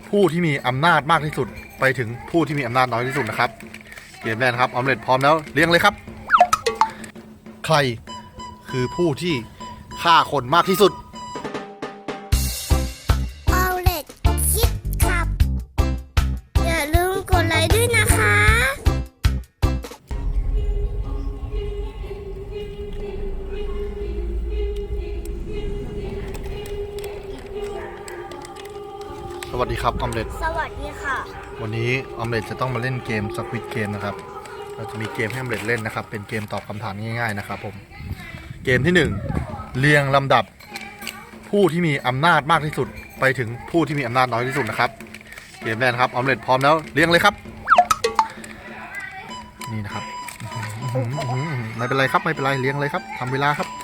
ผู้ที่มีอำนาจมากที่สุดไปถึงผู้ที่มีอำนาจน้อยที่สุดนะครับเกมแรกนะครับออมเล็ตพร้อมแล้วเรียงเลยครับใครคือผู้ที่ฆ่าคนมากที่สุดเอาเล็ดคิดครับอย่าลืมกดไลค์ด้วยนะคะสวัสดีครับออมเล็ตสวัสดีค่ะวันนี้ออมเล็ตจะต้องมาเล่นเกมสควิดเกมนะครับเราจะมีเกมให้ออมเล็ตเล่นนะครับเป็นเกมตอบคำถามง่ายๆนะครับผมเกมที่1เรียงลำดับผู้ที่มีอำนาจมากที่สุดไปถึงผู้ที่มีอำนาจน้อยที่สุดนะครับเกมแรกนะครับออมเล็ตพร้อมแล้วเรียงเลยครับนี่นะครับไม่เป็นไรครับไม่เป็นไรเรียงเลยครับทำเวลาครับ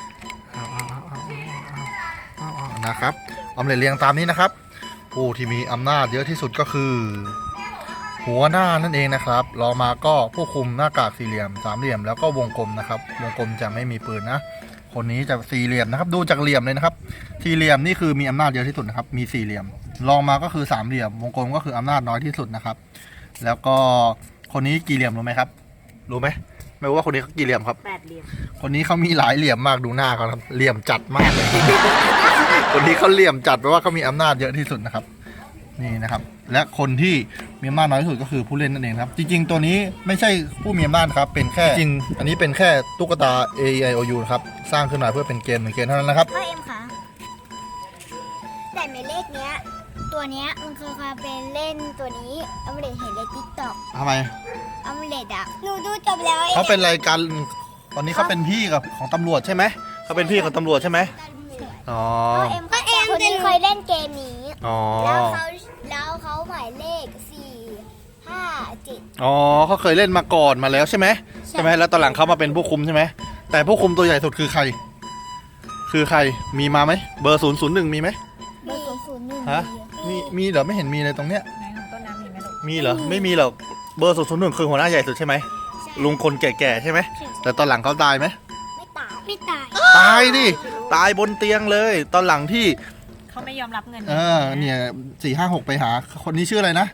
นะครับออมเล็ตเรียงตามนี้นะครับผู้ที่มีอำนาจเยอะที่สุดก็คือหัวหน้านั่นเองนะครับรองมาก็ผู้คุมหน้ากากสี่เหลี่ยมสามเหลี่ยมแล้วก็วงกลมนะครับวงกลมจะไม่มีปืนนะคนนี้จะสี่เหลี่ยมนะครับดูจากเหลี่ยมเลยนะครับสี่เหลี่ยมนี่คือมีอำนาจเยอะที่สุดนะครับมีสี่เหลี่ยมรองมาก็คือสามเหลี่ยมวงกลมก็คืออำนาจน้อยที่สุดนะครับแล้วก็คนนี้กี่เหลี่ยมรู้ไหมครับรู้ไหมไม่รู้ว่าคนนี้เขากี่เหลี่ยมครับ 8 เหลี่ยมคนนี้เขามีหลายเหลี่ยมมากดูหน้าเขาครับเหลี่ยมจัดมากเลย คนนี้เขาเหลี่ยมจัดเพราะว่าเขามีอำนาจเยอะที่สุดนะครับนี่นะครับและคนที่มีอำนาจน้อยที่สุดก็คือผู้เล่นนั่นเองครับจริงๆตัวนี้ไม่ใช่ผู้มีอำนาจครับเป็นแค่จริงอันนี้เป็นแค่ตุ๊กตา A E I O U นะครับสร้างขึ้นมาเพื่อเป็นเกมหนึ่งเกมเท่านั้นนะครับพ่อเอ็มคะแต่หมายเลขเนี้ยตัวเนี้ยมันเคยมาเป็นเล่นตัวนี้ออมเล็ตเห็นในติ๊กต็อกทำไมออมเล็ตอ่ะหนูดูจบแล้วเขาเป็นรายการตอนนี้เขาเป็นพี่กับของตำรวจใช่ไหมเขาเป็นพี่ของตำรวจใช่ไหมอ๋อพ่อเอ็มคนนี้เคยเล่นเกมนี้อ๋อแล้วเขาหมายเลข4 5 7 อ๋อเขาเคยเล่นมาก่อนมาแล้วใช่ไหมใช่ไหมแล้วตอนหลังเขามาเป็นผู้คุมใช่ไหมแต่ผู้คุมตัวใหญ่สุดคือใครคือใครมีมาไหมเบอร์001มีไหมเบอร์001 ฮะมีเหรอไม่เห็นมีเลยตรงเนี้ยไหนของต้นน้ำมีไหมลูกมีเหรอไม่มีหรอกเบอร์001คือหัวหน้าใหญ่สุดใช่ไหมลุงคนแก่ๆใช่ไหมแต่ตอนหลังเขาตายไหมไม่ตายตายดิตายบนเตียงเลยตอนหลังที่เขาไม่ยอมรับเงินเนี่ย456ไปหาคนนี้ชื่ออะไรนะ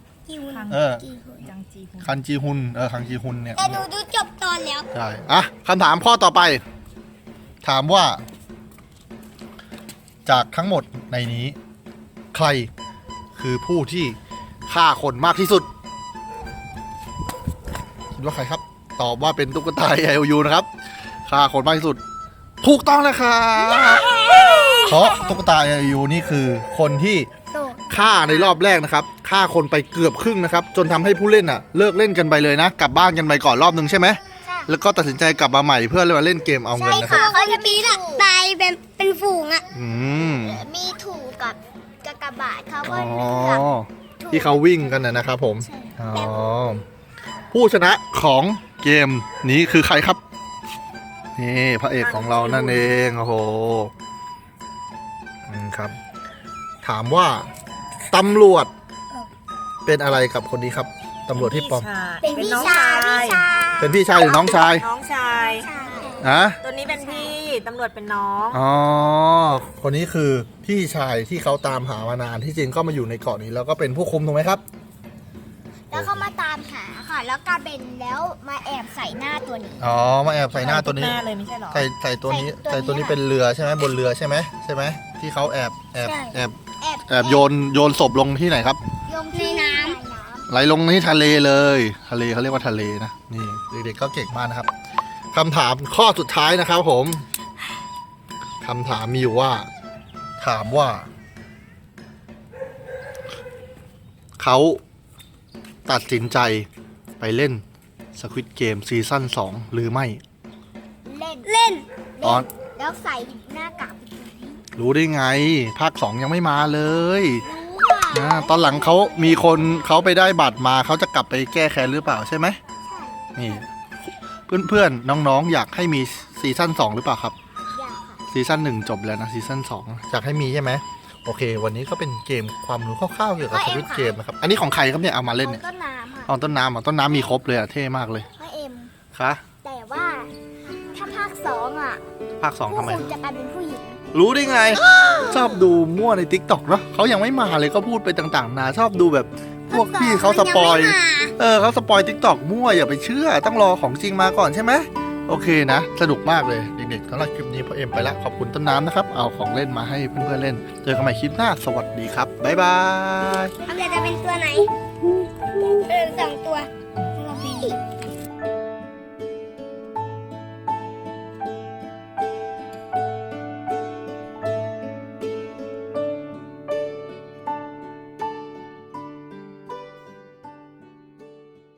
คันจีฮุนคันจีฮุนเนี่ยแต่หนูดูจบตอนแล้วใช่อ่ะคำถามข้อต่อไปถามว่าจากทั้งหมดในนี้ใครคือผู้ที่ฆ่าคนมากที่สุดคิดว่าใครครับตอบว่าเป็นตุ๊กตา IOU นะครับฆ่าคนมากที่สุดถูกต้องนะครับเพราะตุ๊กตา IOU นี่คือคนที่ฆ่าในรอบแรกนะครับฆ่าคนไปเกือบครึ่งนะครับจนทำให้ผู้เล่นเลิกเล่นกันไปเลยนะกลับบ้านกันไปก่อนรอบนึงใช่ไหมแล้วก็ตัดสินใจกลับมาใหม่เพื่อมาเล่นเกมเอาเงินนะครับเขาจะมีตายเป็นฝูงมีถูกกับกากบาทเขาก็ที่เขาวิ่งกันนะครับผมผู้ชนะของเกมนี้คือใครครับนี่พระเอกของเรานั่นเองโอ้โหครับถามว่าตำรวจเป็นอะไรกับคนนี้ครับตำรวจที่ปลอมเป็นพี่ชายเป็นพี่ชายหรือน้องชายน้องชายตัวนี้เป็นพี่ตำรวจเป็นน้องอ๋อคนนี้คือพี่ชายที่เขาตามหามานานที่จริงก็มาอยู่ในเกาะนี้แล้วก็เป็นผู้คุมถูกไหมครับแล้วเขามาตามหาค่ะแล้วกลายเป็นแล้วมาแอบใส่หน้าตัวนี้อ๋อมาแอบใส่หน้าตัวนี้เลยไม่ใช่หรอใส่ตัวนี้ใส่ตัวนี้เป็นเรือใช่ไหมบนเรือใช่ไหมที่เขาแอบโยนศพลงที่ไหนครับลงที่น้ำไหลลงที่ทะเลเลยทะเลเขาเรียกว่าทะเลนะนี่เด็กๆก็เก่งมากนะครับคำถามข้อสุดท้ายนะครับผมคำถามมีอยู่ว่าถามว่าเขาตัดสินใจไปเล่น Squid Game ซีซั่น2หรือไม่เล่นแล้วใส่หน้ากากรู้ได้ไงภาค2ยังไม่มาเลยตอนหลังเขามีคนเขาไปได้บัตรมาเขาจะกลับไปแก้แค้นหรือเปล่าใช่ไหมนี่เพื่อนๆน้องๆอยากให้มีซีซั่น2หรือเปล่าครับอยากค่ะซีซั่น1จบแล้วนะซีซั่น2อยากให้มีใช่ไหมโอเควันนี้ก็เป็นเกมความรู้คร่าวๆเกี่ยวกับสวิตเกมนะครับอันนี้ของใครครับเนี่ยเอามาเล่นเนี่ยต้นน้ำค่ะต้นน้ำมีครบเลยเท่มากเลยพ่อเอ็มค่ะแต่ว่าถ้าภาค2 ภาค 2ทำไมผู้คุมจะกลายเป็นผู้หญิงรู้ได้ไง ชอบดูมั่วใน TikTok เนาะเขายังไม่มาเลยก็พูดไปต่างๆนาชอบดูแบบพวกพี่เขาสปอย เขาสปอย TikTok มั่วอย่าไปเชื่อต้องรอของจริงมาก่อนใช่ไหมโอเคนะ สนุกมากเลยเด็กๆสำหรับคลิปนี้พ่อเอ็มไปละขอบคุณต้นน้ำนะครับ เอาของเล่นมาให้เพื่อนๆเล่น เจอกันใหม่คลิปหน้าสวัสดีครับบ๊ายบายออมเล็ตจะเป็นตัวไหน2 ตัว